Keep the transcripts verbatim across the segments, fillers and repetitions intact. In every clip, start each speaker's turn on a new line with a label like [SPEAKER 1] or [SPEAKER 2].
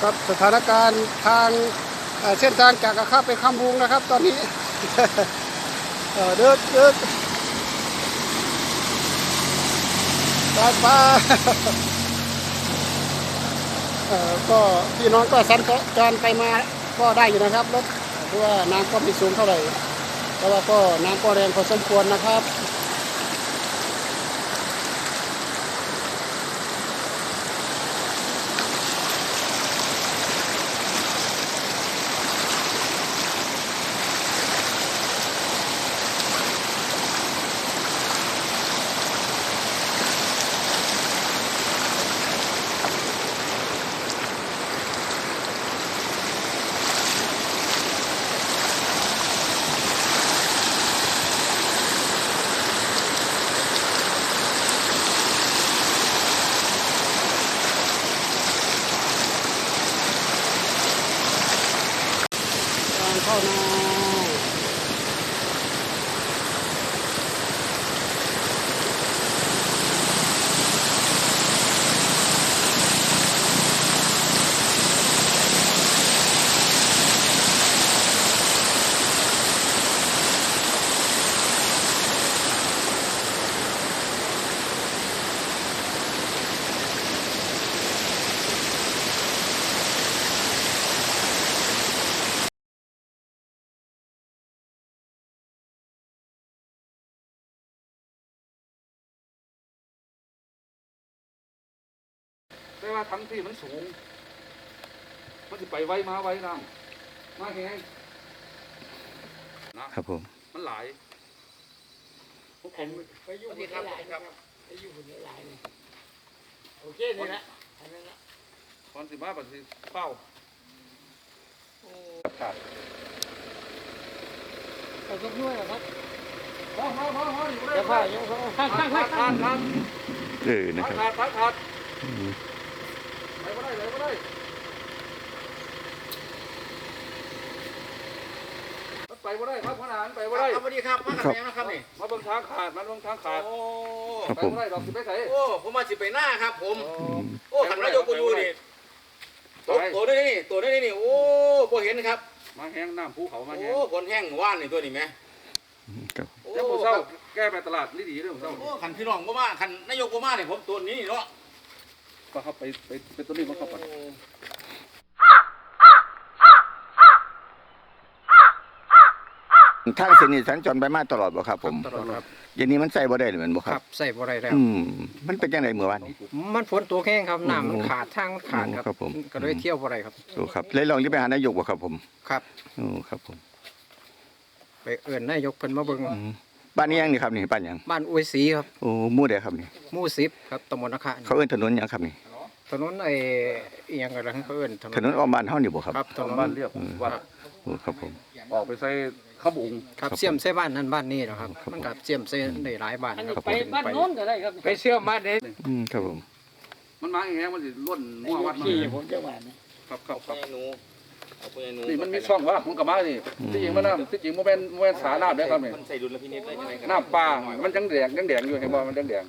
[SPEAKER 1] ครับสถานการณ์ทางเส้นทางจากกระข้าไปคำบุงนะครับตอนนี้เดินเดินตาฟ้าก็พี่น้องก็สัญจรไปมาก็ได้อยู่นะครับรถเพราะว่าน้ำก็ไม่สูงเท่าไหร่แต่ว่าก็น้ำก็แรงพอสมควรนะครับเข้านา
[SPEAKER 2] แต่ว่าทั้งที่มันสูงมันจะไปไวมาไวน้ำมาแห้งนะครับ
[SPEAKER 3] ผม
[SPEAKER 2] มันหลายพวกผม
[SPEAKER 4] ไปอยู่บนหลายครับไปอยู่บนหลายเลยโอเคนี่ละอันนั้นละ
[SPEAKER 2] ตอนสิมาปัจจุบันเป้าขาด
[SPEAKER 4] เอายกด้วยเหรอครับ
[SPEAKER 2] พอพอพอพออยู่ได้
[SPEAKER 4] เดี๋ยวพ่อเดี๋ยวพ่อข้างข้างข้างข้าง
[SPEAKER 2] ขาด
[SPEAKER 3] เออนะครับ
[SPEAKER 2] ขาดขาดขาดไหลมาได้ไหลมาได้ไปมาได้ครับขนาดไปมาได้
[SPEAKER 4] สวัสดีครับมากับแม่นะครับนี่
[SPEAKER 2] มาเบิ่งทางขาดมาเบิ่งทางขาด
[SPEAKER 4] โอ้
[SPEAKER 2] ไปมาได้ดอกสิไปใส่
[SPEAKER 4] โอ้ผมมาสิไปหน้าครับผมโอ้ขันนายกกูอยู่นี่ตัวตัวนี้นี่ตัวนี้นี่โอ้พอเห็นครับ
[SPEAKER 2] มาแห้งน้ำภูเขามาแห้ง
[SPEAKER 4] โอ้คนแห้งว่านนี่ตัวนี้ไหม
[SPEAKER 3] ครับ
[SPEAKER 2] เจ้าผู้เศร้าแก้ไปตลาดนี่ดีเรื่องเศร้า
[SPEAKER 4] โอ้ขันพี่น้องก็มาขันนายกก็มาเนี่ยผมตัวนี้เนาะ
[SPEAKER 2] ก็เข้าไปไปเป็นตัวนี้มันเข้าไป
[SPEAKER 3] ทางเส้นนี้สัญจรไปมาตลอดบ่ครับผม
[SPEAKER 2] ตลอดครับ
[SPEAKER 3] อย่างนี้มันใส่บ่ได้หรือมันบ่ค
[SPEAKER 5] ค
[SPEAKER 3] รั
[SPEAKER 5] รั
[SPEAKER 3] บบ
[SPEAKER 5] ใส่บ่ได้แล้ว
[SPEAKER 3] อืมมันเป็นจังได๋เมื่อวานนี้
[SPEAKER 5] มันฝนตัวแห้งครับน้ำมันขาดทางมันขาดค
[SPEAKER 3] ครั
[SPEAKER 5] รับบ
[SPEAKER 3] ผม
[SPEAKER 5] ก็เลยเที่ยวบ่ได้ครับ
[SPEAKER 3] โอ้ครับเลยลองที่ไปหานายกบ่ครับผม
[SPEAKER 5] ครับ
[SPEAKER 3] โอ้ครับผม
[SPEAKER 5] ไปเอิ้นนายกเพิ่นมาเบิ่ง
[SPEAKER 3] อืมบ้านนี้ยังนี่ครับนี่บ้านหยัง
[SPEAKER 5] บ้านอวยศรีครับ
[SPEAKER 3] โอ้หมู่ใดครับนี่
[SPEAKER 5] หมู่สิบครับตำบลนาคา
[SPEAKER 3] เขาเอิ้นถนนหยังครับนี่
[SPEAKER 5] ถนนไอ้อีหยังก็แล้วเขาเอิ้นถนน
[SPEAKER 3] ถนนอ้อมบ้านเฮานี่บ่ครับ
[SPEAKER 5] ครับถนน
[SPEAKER 2] บ้านเรียบวัด
[SPEAKER 3] โอ้ครับผม
[SPEAKER 2] ออกไปใส่ข้าวบุง
[SPEAKER 5] ครับเชื่อมใส่บ้านนั้นบ้านนี้นะครับ
[SPEAKER 3] ครับ
[SPEAKER 5] มันก็เชื่อมใส่ได้หลายบ้าน
[SPEAKER 4] อัน
[SPEAKER 5] ค
[SPEAKER 4] นี้
[SPEAKER 5] รับ
[SPEAKER 4] ไปบ้านโน้นก็ได้ครับ
[SPEAKER 5] ไปเชื่อมบ้านนี้
[SPEAKER 3] อืมครับผม
[SPEAKER 2] มันมาอย่างเงี้ยมันสิล้นมั่ววัดมา
[SPEAKER 4] ขี่ผมจะหวานนะครับ
[SPEAKER 2] ครับครับ
[SPEAKER 4] หนูเอาไปหนู
[SPEAKER 2] นี่มันมีช่องว่ามันกับมานี่ที่จริงมันน้ำที่จริงมันเป็นมันเป็นสาน้ำเด้อครับนี่
[SPEAKER 4] มันใส่ดุลพินิจได้ยังไงครับ
[SPEAKER 2] น้ำปลามันยังแดงยังแดงอยู่เห็นบ่มันยังแดง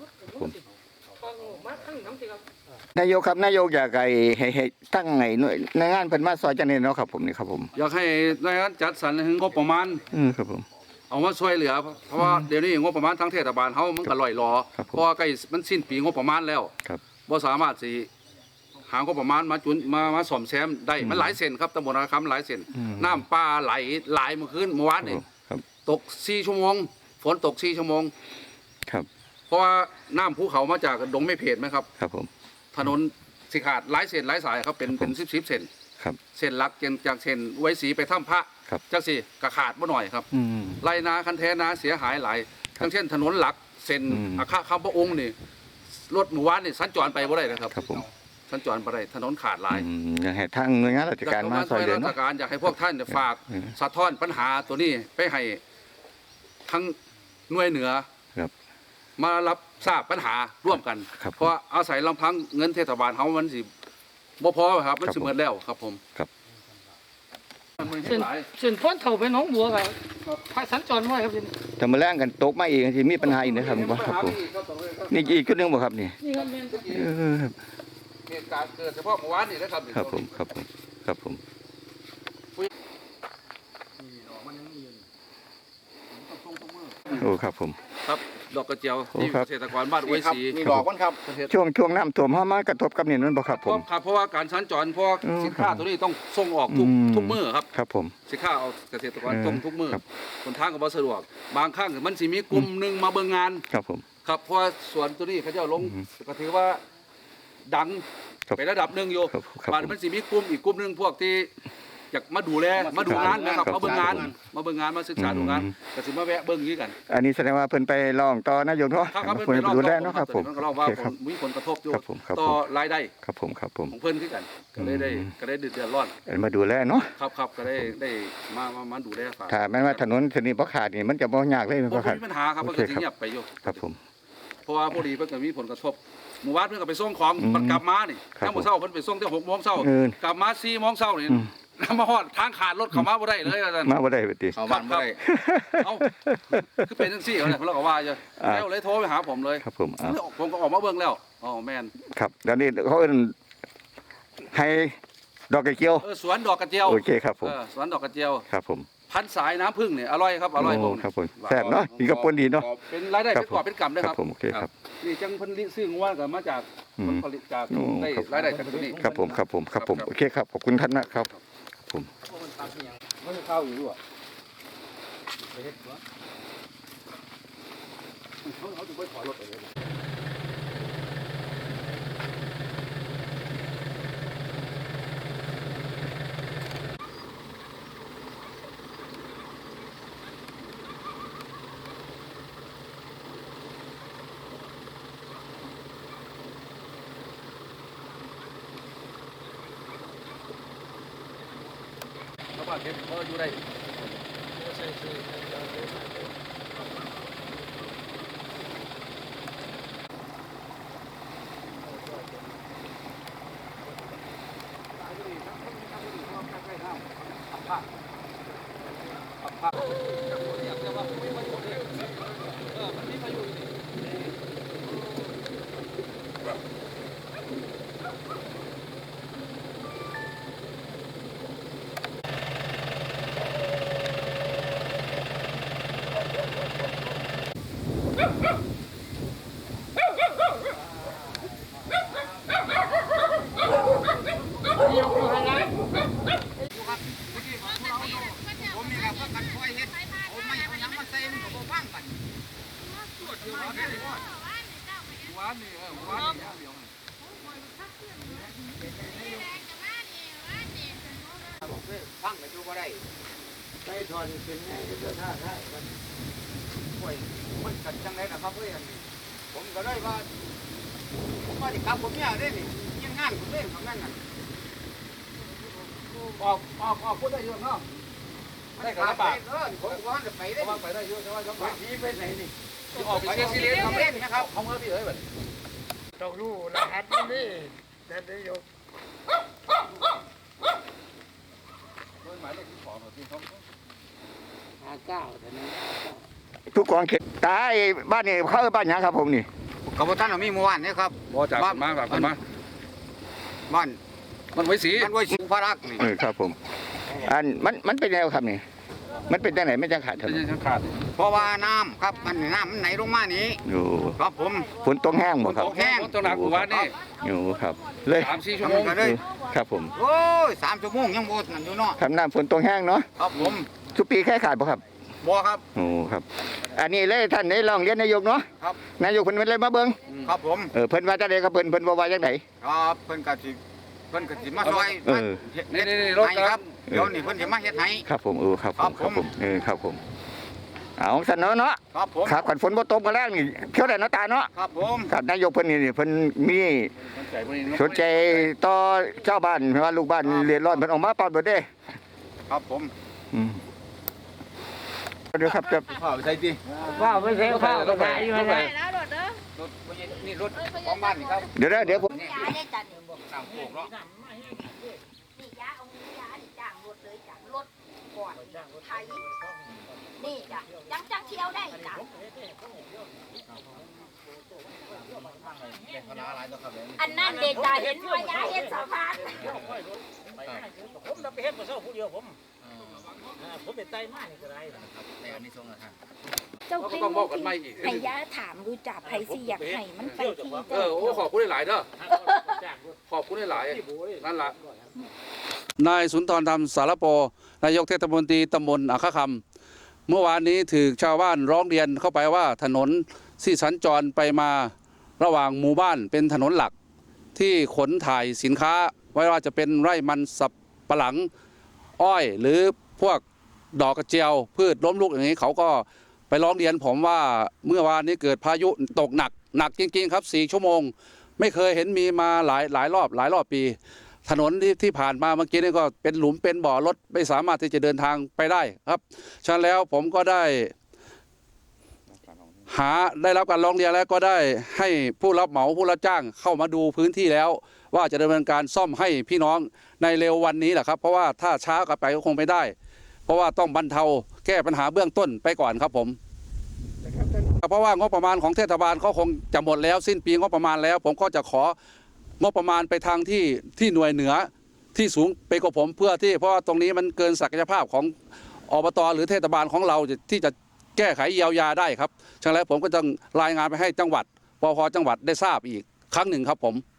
[SPEAKER 3] นายกครับนายกอยากให้ให้ให้ตั้งไงหน่วยในงานเพิ่นมาซอยจังได๋เนาะครับผมนี่ครับผม
[SPEAKER 2] อยากให้หน่วยงานจัดสรรให้งบประมาณ
[SPEAKER 3] อืมครับผม
[SPEAKER 2] เอามาช่วยเหลือเพราะว่าเดี๋ยวนี้งบประมาณทางเทศบาลเฮามันก็ลอยรอ
[SPEAKER 3] ครับผม
[SPEAKER 2] เพราะว่าใกล้มันสิ้นปีงบประมาณแล้ว
[SPEAKER 3] ครับ
[SPEAKER 2] บ่สามารถสิหางบประมาณมาจุนมามาซ่อมแซมได้มันหลายเส้นครับตำบลนาคำหลายเส้น
[SPEAKER 3] อืม
[SPEAKER 2] น้ำปลาไหลหลายเมื่อคืนเมื่อวานนี่
[SPEAKER 3] ครับ
[SPEAKER 2] ตกสี่ชั่วโมงฝนตกสี่ชั่วโมง
[SPEAKER 3] ครับ
[SPEAKER 2] เพราะว่าน้ำภูเขามาจากดงไม่เพจไหมครับ
[SPEAKER 3] ครับผม
[SPEAKER 2] ถนนสิขาดหลายเส้นหลายสายครับเป็นเป็นสิบสิบเส้น
[SPEAKER 3] ครับ
[SPEAKER 2] เส้นหลักจากจากเส้นไว้สีไปถ้ำพระ
[SPEAKER 3] ครับ
[SPEAKER 2] จังสิกระขาดบ่หน่อยครับ
[SPEAKER 3] อืม
[SPEAKER 2] ไรนาคันแท้นาเสียหายหลาย
[SPEAKER 3] ครับ
[SPEAKER 2] ทั้งเช่นถนนหลักเส้น
[SPEAKER 3] อืม
[SPEAKER 2] อาคาคำพระองค์นี่รถหมู่บ้านนี่สัญจรไปบ่ได้นะครับ
[SPEAKER 3] ครับผม
[SPEAKER 2] สัญจรไปได้ถนนขาดหลาย
[SPEAKER 3] อืมอยากให้ทางหน่วยงานราชการมาซอยเหลือ
[SPEAKER 2] ราช
[SPEAKER 3] เนาะ
[SPEAKER 2] การอยากให้พวกท่านเนี่ยฝาก
[SPEAKER 3] เออ
[SPEAKER 2] สะท้อนปัญหาตัวนี้ไปให้ทั้งหน่วยเหนือ
[SPEAKER 3] ครับ
[SPEAKER 2] มารับทราบปัญหาร่วมกัน
[SPEAKER 3] ครับ
[SPEAKER 2] เพราะอาศัยลำพังเงินเทศบาลเขามันสิบ่พอครับมัน
[SPEAKER 3] ครับ
[SPEAKER 2] สิเหมือนแล้วครับผม
[SPEAKER 3] ครับ
[SPEAKER 2] มันมี
[SPEAKER 4] เส้น
[SPEAKER 2] หลาย
[SPEAKER 4] เส้นพ้นเถ่าไปหนองบัวครับพายสัญจรไว้ครับ
[SPEAKER 3] ถ้ามาแรงกันตกมาอีกสิมีปัญหาอีกนะครับบ่ครับผมนี่อีกจุดหนึงบ่ครับนี่
[SPEAKER 4] นี่ครับแม่น
[SPEAKER 3] เออครับ
[SPEAKER 2] เหตุการณ์เกิดเฉพาะเมื่อวานนี่นะครับ
[SPEAKER 3] ครับผมครับผมครับผมโอ้ครับผม
[SPEAKER 2] ครับดอกกระเจียว
[SPEAKER 3] โอ้
[SPEAKER 2] ที่
[SPEAKER 3] ครับ
[SPEAKER 2] เกษตรกรบ้านอวยศรี
[SPEAKER 4] นี่ดอกมันครับ
[SPEAKER 3] ช่วงช่วงน้ำท่วมเฮามากระทบกับนี่นั่นบ่ครับผม
[SPEAKER 2] ครับเพราะว่าการสัญจรเพราะ
[SPEAKER 3] อืม
[SPEAKER 2] สินค้าตัวนี้ต้องส่งออกทุก
[SPEAKER 3] อืม
[SPEAKER 2] ทุกมื้อครับ
[SPEAKER 3] ครับผม
[SPEAKER 2] สินค้าเอาเกษตรกร
[SPEAKER 3] เออ
[SPEAKER 2] ส่งทุกมื้อ
[SPEAKER 3] ครับ
[SPEAKER 2] คนทางก็บ่สะดวกบางครั้งมันสิมีกลุ่มหนึงมาเบิ่งงาน
[SPEAKER 3] ครับผม
[SPEAKER 2] ครับเพราะว่าสวนตัวนี้เขาเจ้าลง
[SPEAKER 3] อืม
[SPEAKER 2] ก็ถือว่าดัง
[SPEAKER 3] ครับ
[SPEAKER 2] ไประดับหนึ่งอยู่
[SPEAKER 3] ครับครับ
[SPEAKER 2] บานมันสิมีกลุ่มอีกกลุ่มหนึงพวกที่อยากมาดูแลมาดูงานนะครับ
[SPEAKER 3] ครับ
[SPEAKER 2] มาเบิ่งงาน มาเบิ่งงานมาศึกษาดูงาน
[SPEAKER 3] อืม
[SPEAKER 2] ก็สิมาแวะเบิ่งนี้กัน
[SPEAKER 3] อันนี้แสดงว่าเพิ่นไปร้องต่อนายกเนาะ
[SPEAKER 2] ครับครับ
[SPEAKER 3] เพิ่นไปดูแลเนาะครับผม
[SPEAKER 2] มันก็เล่าว่า
[SPEAKER 3] โอเค
[SPEAKER 2] ผ
[SPEAKER 3] ครับ
[SPEAKER 2] มมีผลกระทบอยู่
[SPEAKER 3] ครับผมครับ
[SPEAKER 2] ต่อ
[SPEAKER 3] ผม
[SPEAKER 2] รายได้
[SPEAKER 3] ครับผมครับผม
[SPEAKER 2] ของเพิ่นคือกัน ก็เลยได้
[SPEAKER 3] อืม
[SPEAKER 2] ก็ได้เดือดร้อน
[SPEAKER 3] เอ็นมาดูแลเนาะ
[SPEAKER 2] ครับครับก็ได้ได้มามามาดูแลฝาก
[SPEAKER 3] ถ้าแม้ว่าถนนเส้นนี้บ่ขาดนี่มันจะบ่ยากเลยแม่น
[SPEAKER 2] บ่
[SPEAKER 3] บ่ครับ
[SPEAKER 2] มีปัญหาครับ
[SPEAKER 3] โอ
[SPEAKER 2] มัน
[SPEAKER 3] เค
[SPEAKER 2] ก็สิ
[SPEAKER 3] ครับ
[SPEAKER 2] เงียบไปอยู่
[SPEAKER 3] ครับผม
[SPEAKER 2] เพราะว่าพอดีเพิ่นก็มีผลกระทบหมู่บ้านเพิ่นก็ไปส่งของ
[SPEAKER 3] อืม
[SPEAKER 2] มันกลับมานี่
[SPEAKER 3] ครับ
[SPEAKER 2] ยามมื้อเช้าเพิ่นไปส่งแต่หกโมงเช้า
[SPEAKER 3] เออก
[SPEAKER 2] ลับมาสี่โมงเช้านี่
[SPEAKER 3] อืม
[SPEAKER 2] มาฮอดทางขาดรถเข้ามาบ่ได้เลยว่าซั่น
[SPEAKER 3] มาบ่ได้บัดนี้
[SPEAKER 4] เข้าบ้านบ่ได้
[SPEAKER 2] เอ้าคือเป็นจังซี่เขาเนี่ยเราก็ว่าอยู่
[SPEAKER 3] อ่า
[SPEAKER 2] แล้วเลยโทรไปหาผมเลย
[SPEAKER 3] ครับผมอ่า
[SPEAKER 2] ผมก็ออกมาเบิ่งแล้วอ๋อแม่น
[SPEAKER 3] ครับเดี๋ยวนี้เขาเอิ้นให้ดอกกระเจียว
[SPEAKER 2] เออสวนดอกกระเจียว
[SPEAKER 3] โอเคครับผม
[SPEAKER 2] เออสวนดอกกระเจียว
[SPEAKER 3] ครับผม
[SPEAKER 2] พันสายน้ำผึ้งเนี่ยอร่อยครับอร่อย
[SPEAKER 3] โอ้
[SPEAKER 2] ผม
[SPEAKER 3] ครับผมแซ่บเนาะกินกับปนดีเนาะ
[SPEAKER 2] เป็นรายได้
[SPEAKER 3] ครับ
[SPEAKER 2] เป็นกอบเป็นกำด้วย
[SPEAKER 3] ค
[SPEAKER 2] ค
[SPEAKER 3] รั
[SPEAKER 2] รั
[SPEAKER 3] บบ ผมโอเคครับ
[SPEAKER 2] นี่จังเพิ่นซื้องัวก็มาจาก
[SPEAKER 3] อืม
[SPEAKER 2] ผลผลิตจาก
[SPEAKER 3] โอ้
[SPEAKER 2] ได้
[SPEAKER 3] ครับ
[SPEAKER 2] รายได้จากตัวนี้
[SPEAKER 3] ครับผมครับผมครับผมโอเคครับขอบคุณท่านนะครับผม
[SPEAKER 2] มันเข้าอยู่ด้วยเขาเขาจะไปถอยรถไปเลย ชาวบ้านเห็นเขาอยู่ได้
[SPEAKER 4] ผมนี่ครับก็กันค่อยเฮ็ดผมไม่เอาหยังมาใส่มันก็บ่ฟังกัน
[SPEAKER 2] หวานนี่เออหวานนี่อย่างเดียว
[SPEAKER 4] ฟังก็อยู่บ่ได้
[SPEAKER 5] ไปถอนเป็นไงก็ท่าท่า
[SPEAKER 4] ป่วยมันกันจังได๋นะครับเอ้ยอันนี้ผมก็เลยว่าผมว่าสิครับผมเนี่ยเด้นี่ยังงานผมเล่นของนั่นน่ะ
[SPEAKER 2] ออกออกออกพูดได้เยอะเนาะ
[SPEAKER 4] ได้กระบะเออผมว่าจะไป
[SPEAKER 2] เพ
[SPEAKER 4] ได้
[SPEAKER 2] ราะว่าไปได้เยอะใช่ไหมครับ
[SPEAKER 4] ไปที่ไปไหนนี่
[SPEAKER 2] ออกไปเชียร์ซีเรียสครับเล่นนะครับเขาเมื่อพี่เอ้ยแบบ
[SPEAKER 5] ต้องรู้รหัสนี่นั่นนายก
[SPEAKER 2] หมายเลขที่สองที่เขา
[SPEAKER 5] ห้าเก้าแต่นั้น
[SPEAKER 3] ทุกกองเขตตายบ้านนี่เขาเอิ้นบ้านหยังครับผมนี่
[SPEAKER 4] ก็บ่ทันเอามีเมื่อวานนี่ครับ
[SPEAKER 2] บอจากมาแบบมา
[SPEAKER 4] บ้าน
[SPEAKER 2] มันไว้สี
[SPEAKER 4] มันไว้สิงพระรักษ์นี่
[SPEAKER 3] เออครับผมอันมันมันเป็นแนวครับนี่มันเป็นจังไหนไม่จังขาดถ
[SPEAKER 2] เป็น
[SPEAKER 3] นน
[SPEAKER 2] ยังขาด
[SPEAKER 4] เพราะว่าน้ำครับมันน้ำมันไหลลงมานี้
[SPEAKER 3] อยู่
[SPEAKER 4] ครับผม
[SPEAKER 3] ฝนตกแห้งบ่ครับ
[SPEAKER 2] แห้งตัวหนักวันนี่
[SPEAKER 3] อยู่ครับ เลย
[SPEAKER 2] สามสี่ชั่วโมง
[SPEAKER 4] ก็เลย
[SPEAKER 3] ครับผม
[SPEAKER 4] โอ้ยสามชั่วโมงยังบ่นั่นอยู่เนาะ
[SPEAKER 3] ทำน้ำฝนตกแห้งเนาะ
[SPEAKER 4] ครับผม
[SPEAKER 3] ทุกปีแค่ขาดบ่ครับ
[SPEAKER 4] บ่ครับ
[SPEAKER 3] โอ้ครับ อันนี้เลยท่านได้ลองเรียนนายกเนาะ
[SPEAKER 4] ครับ
[SPEAKER 3] นายกเพิ่นเลยมาเบิ่ง
[SPEAKER 4] ครับผม
[SPEAKER 3] เออเพิ่นว่าจังไดครับเพิ่นเพิ่นบ่ว่าจังได
[SPEAKER 4] ครับเพิ่นก็สิเพิ่นก็สิมาซอย
[SPEAKER 3] เออ
[SPEAKER 4] เฮ็ด
[SPEAKER 2] นี่
[SPEAKER 4] เฮ็ด
[SPEAKER 2] นี่รถ
[SPEAKER 4] ให้ครับเดี๋ยวนี้เพิ่นสิมาเฮ็ดให้
[SPEAKER 3] ครับผมเออครับผ
[SPEAKER 4] ครั
[SPEAKER 3] ม
[SPEAKER 4] บ
[SPEAKER 3] ครับ
[SPEAKER 4] ผม
[SPEAKER 3] ผมเออครับผมเอาซั่นเนาะเนาะ
[SPEAKER 4] ครับผม
[SPEAKER 3] ครับกันฝนบ่ตกมาแล้งนี่เที่ยวได้เนาะตาเนาะ
[SPEAKER 4] ครับผม
[SPEAKER 3] ครับนายกเพิ่นนี่นี่เพิ่นมี
[SPEAKER 2] ใจพวกนี้
[SPEAKER 3] สนใจต่อเจ้าบ้านว่าลูกบ้านเรียนร้อนเพิ่นออกมาปอนเบิดเด้
[SPEAKER 4] ครับผม
[SPEAKER 3] อืมเดี๋ยวครับจะ
[SPEAKER 4] ข้าวใส่ติ
[SPEAKER 5] ว่าไม่ใช่ข้าวก็ได้อยู่นะ
[SPEAKER 6] ได้แล้วรถเด้อ
[SPEAKER 4] รถบ่ใช่นี่รถของบ้านนี่ครับ
[SPEAKER 3] เดี๋ยวนะเดี๋ยวผม
[SPEAKER 6] ยาได้จันนี่บอก
[SPEAKER 4] ตามโคกเนาะ
[SPEAKER 6] นี่ยาเอามือยานี่จ้างรถเลยจ้ะรถก่อนไทยนี่จ้ะจังจังเที่ยวได้จ้ะอันนั้นเด็กตาเห็นว่ายาเห็นสะพาน
[SPEAKER 7] ผมจะไปเฮ็ดมาเช่าผู้เดียวผมผมเป็นไตมากนี่ก็ได้นะครับแต่อันนี้ทรงอะค่ะ
[SPEAKER 6] เจ้า
[SPEAKER 2] เราก็
[SPEAKER 6] เป็น
[SPEAKER 2] ต้องบอกกันใหม่อีก
[SPEAKER 6] ให้ยาถามรู้จักไผสิอยากให้มันไปที่
[SPEAKER 2] เออโอ้ขอบคุณหลายๆเด้อขอบคุณหลายๆนั่นล่ะนายสุนทรธรรมสารโปนายกเทศมนตรีตำบลอัคคคำเมื่อวานนี้ถือชาวบ้านร้องเรียนเข้าไปว่าถนนที่สัญจรไปมาระหว่างหมู่บ้านเป็นถนนหลักที่ขนถ่ายสินค้าไม่ว่าจะเป็นไร่มันสับปะหลังอ้อยหรือพวกดอกกระเจียวพืชล้มลุกอย่างนี้เขาก็ไปร้องเรียนผมว่าเมื่อวานนี้เกิดพายุตกหนักหนักจริงๆครับสี่ชั่วโมงไม่เคยเห็นมีมาหลายหลายรอบหลายรอบปีถนนที่ที่ผ่านมาเมื่อกี้นี่ก็เป็นหลุมเป็นบ่อรถไม่สามารถที่จะเดินทางไปได้ครับฉะนั้นแล้วผมก็ได้หาได้รับการร้องเรียนแล้วก็ได้ให้ผู้รับเหมาผู้รับจ้างเข้ามาดูพื้นที่แล้วว่าจะดำเนินการซ่อมให้พี่น้องในเร็ววันนี้แหละครับเพราะว่าถ้าช้ากลับไปก็คงไม่ได้เพราะว่าต้องบรรเทาแก้ปัญหาเบื้องต้นไปก่อนครับผมเพราะว่างบประมาณของเทศบาลก็คงจะหมดแล้วสิ้นปีงบประมาณแล้วผมก็จะของบประมาณไปทางที่ที่หน่วยเหนือที่สูงไปกว่าผมเพื่อที่เพราะว่าตรงนี้มันเกินศักยภาพของอบตหรือเทศบาลของเราที่จะแก้ไขเยียวยาได้ครับฉะนั้นแล้วผมก็ต้องรายงานไปให้จังหวัดปภจังหวัดได้ทราบอีกครั้งหนึ่งครับผม